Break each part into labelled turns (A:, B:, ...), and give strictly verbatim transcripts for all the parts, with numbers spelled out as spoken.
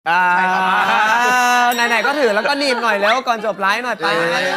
A: อ่าไหนๆก็ถือแล้วก็หนีบหน่อยแล้วก่อนจบไลฟ์หน่อยไป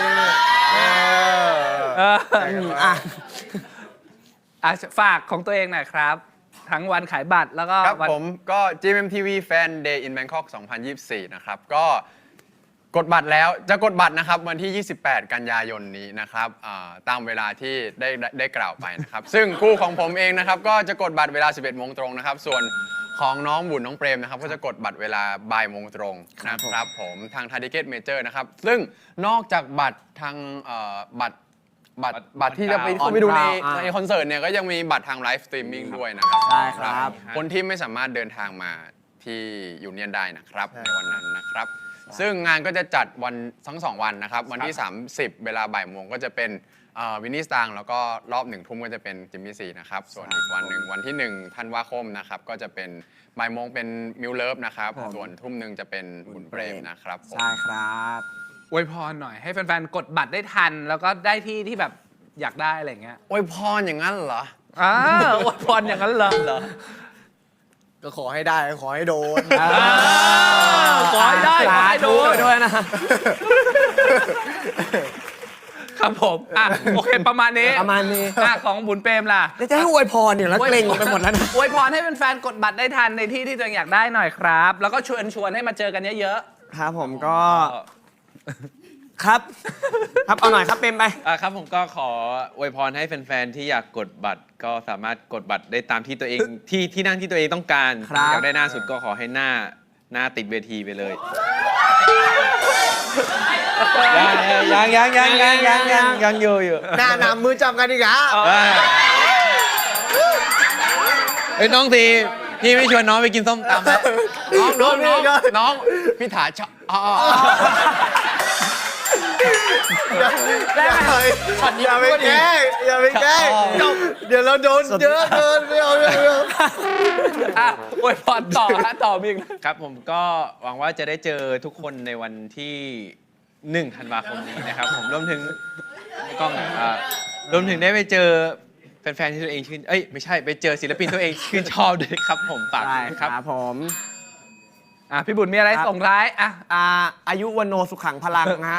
A: อ่ะ
B: อ่ะฝากของตัวเองหน่อยครับ ทั้งวันขายบัตรแล้วก็
C: ครับผมก็ จี เอ็ม ที วี Fan Day in Bangkok สองพันยี่สิบสี่ นะครับก็กดบัตรแล้วจะกดบัตรนะครับวันที่ ยี่สิบแปด กันยายนนี้นะครับตามเวลาที่ได้ได้กล่าวไปนะครับ ซึ่งคู่ของผมเองนะครับก็จะกดบัตรเวลา สิบเอ็ดโมงตรงนะครับส่วนของน้องบุญน้องเปรมนะครับก็จะกดบัตรเวลาบ่ายโมงตรงนะครับผมทางไทยทิเก็ตเมเจอร์นะครับซึ่งนอกจากบัตรทางบัตรบัตรบัตรที่จะไปเข้าไปดูในในคอนเสิร์ตเนี่ยก็ยังมีบัตรทางไลฟ์สตรีมมิ่งด้วยนะครับ
A: ใช่ครับ
C: คนที่ไม่สามารถเดินทางมาที่ยูเนียนได้นะครับในวันนั้นนะครับซึ่งงานก็จะจัดวันทั้งสองวันนะครับวันที่ สามสิบ เวลาบ่ายโมงก็จะเป็นวินนี่สตางแล้วก็รอบหนึ่งทุ่มก็จะเป็นจิมมี่ซีนะครับส่วนอีกวันหนึ่งวันที่หนึ่งธันวาคมนะครับก็จะเป็นบ่ายโมงเป็นมิวเลิฟนะครับส่วนทุ่มหนึ่งจะเป็นบุญเปรมนะครับ
A: ใช่ครับ
B: อวยพรหน่อยให้แฟนๆกดบัตรได้ทันแล้วก็ได้ที่ที่แบบอยากได้อะไรเงี้ย
C: อวยพรอย่างนั้นเหรอ
B: อ้าอวยพรอย่างนั้นเหรอ
D: ก็ขอให้ได้ขอให้โดน
B: ขอให้ได้ขอให้โดน
A: ด้วยนะ
B: ครับผมอ่ะโอเคประมาณนี้
A: ประมาณนี้
B: อ่ะของบุญเปรมล่ะ
A: จะให้อวยพรเนี่ยแล้วเกรงไปหมดแล้วนะ
B: อวยพรให้แฟนๆกดบัตรได้ทันในที่ที่ตัวเองอยากได้หน่อยครับแล้วก็ชวนชวนให้มาเจอกันเยอะ
A: ๆครับผมก็ครับครับเอาหน่อยครับเปรมไป
E: อ่ะครับผมก็ขออวยพรให้แฟนๆที่อยากกดบัตรก็สามารถกดบัตรได้ตามที่ตัวเองที่ที่นั่งที่ตัวเองต้องการอยากได้หน้าสุดก็ขอให้หน้าหน้าติดเวทีไปเลยยังยังยังยังยังยังยังอยู่อยู่
D: หน้าหนำมือจับกันอีกอ่ะ
E: เฮ้ยน้องทีพี่ไม่ชวนน้องไปกินส้มตำแล้ว
C: น้องน้องน้องน้องพี่ถาชอบ
D: ได้ไหมอย่าไปแกล้งอย่าไปแกล้งเดี๋ยวเราโดนเยอะเกินไม่เอาไม่เอา
B: อ่ะอวยพรต่อฮะต่อมีอีก
E: ครับผมก็หวังว่าจะได้เจอทุกคนในวันที่หนึ่งธันวาคมนี้นะครับผมรวมถึงกล้องอ่ารวมถึงได้ไปเจอแฟนๆที่ตัวเองชื่นเอ้ยไม่ใช่ไปเจอศิลปินตัวเองชื่นชอบด้วยครับผมฝาก
A: ครับผม
B: อ่ะพี่บุญมีอะไรส่งท้ายอ่ะ
A: อ่าอายุวันโนสุขังพลังนะฮะ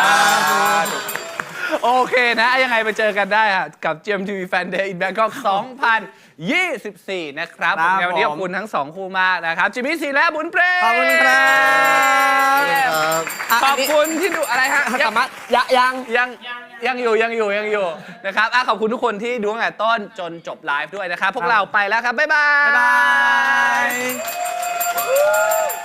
B: โอเคนะยังไงไปเจอกันได้ค่ะกับ จี เอ็ม ที วี Fan Day in Bangkok สองพันยี่สิบสี่นะครับวันนี้ขอบคุณทั้งสองคู่มากนะครับจิมมี่ซีและบุญเปรม
A: ขอบคุณครับ
B: ขอบคุณที่ดูอะไรฮะ
A: กลับมายัง
B: ยังยังอยู่ยังอยู่ยังอยู่นะครับขอบคุณทุกคนที่ดูตั้งแต่ต้นจนจบไลฟ์ด้วยนะครับพวกเราไปแล้วครับบ๊ายบาย